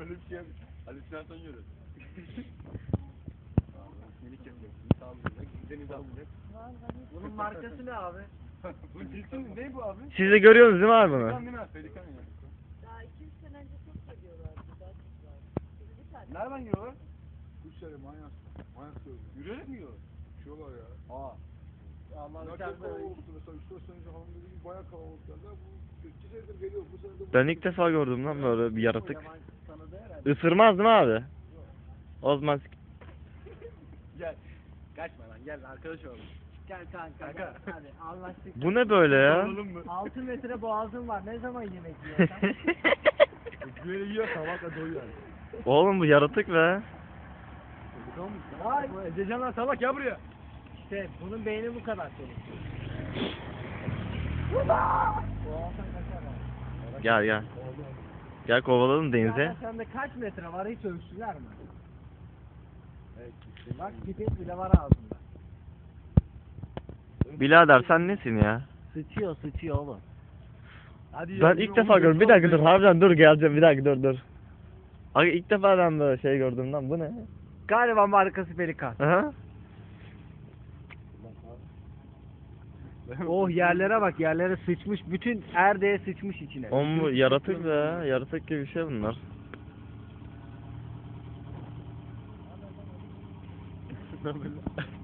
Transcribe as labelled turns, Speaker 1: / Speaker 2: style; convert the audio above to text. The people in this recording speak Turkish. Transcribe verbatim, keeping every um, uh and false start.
Speaker 1: Öyle bir şey yapmış. Halüsinasyon görüyor. Minik yapıyor. Sağlayacak. Deniz alacak.
Speaker 2: Bunun markası ne abi?
Speaker 1: Bu cinsin ne bu abi?
Speaker 3: Siz de görüyorsunuz değil mi abi bunu?
Speaker 1: Pelikan değil mi? Pelikan ya.
Speaker 4: Daha iki üç sene önce çok geliyorlardı. Daha çok vardı. Bir tane.
Speaker 1: Nereden yiyorlar?
Speaker 5: Üç sene manyak. Manyak söylüyor.
Speaker 1: Yürüyerek mi yiyorlar?
Speaker 5: Uçuyorlar ya.
Speaker 1: Aa.
Speaker 2: Allah
Speaker 5: Ne çok
Speaker 2: içeride
Speaker 5: kalabalıktı mesela. Üç dört sene önce hanım dediği gibi bayağı kalabalıklardı. Bu iki senedir geliyor. Bu sene de bu.
Speaker 3: Ben ilk defa gördüm lan böyle bir yaratık.
Speaker 2: yaman tanıdı herhalde.
Speaker 3: Isırmaz değil mi abi? O zaman
Speaker 1: Gel. Kaçma lan gel arkadaş olalım.
Speaker 2: Gel kanka.
Speaker 1: Kanka.
Speaker 2: Hadi anlaştık.
Speaker 3: bu ne böyle ya?
Speaker 1: Olalım mı?
Speaker 2: altı metre boğazın var. Ne zaman yemek yiyorsan?
Speaker 1: Böyle yiyor sabahla doyuyor.
Speaker 3: Oğlum bu yaratık be.
Speaker 1: Pelikan mı?
Speaker 2: Vay.
Speaker 1: Bu Ececan lan salak ya buraya.
Speaker 2: İşte bunun beyni bu kadar çalışıyor. Boğazdan kaçar abi.
Speaker 3: Gel gel. Gel kovalalım denize.
Speaker 2: Ya sende kaç metre var hiç ölçtüler mi?
Speaker 1: Evet.
Speaker 2: Bak pipet bile var ağzında.
Speaker 3: Birader sen nesin ya?
Speaker 2: Sıçıyor sıçıyor oğlum.
Speaker 1: Hadi
Speaker 3: Ben ilk defa gördüm. Bir dakika dur. Harbiden dur geleceğim. Bir dakika dur dur. Abi ilk defa ben böyle şey gördüm lan. Bu ne?
Speaker 2: Galiba markası pelikan.
Speaker 3: Aha.
Speaker 2: Oh yerlere bak yerlere sıçmış. Bütün erdeğe sıçmış içine.
Speaker 3: Oğlum bu yaratık be. Yaratık gibi bir şey bunlar.
Speaker 1: Ne böyle?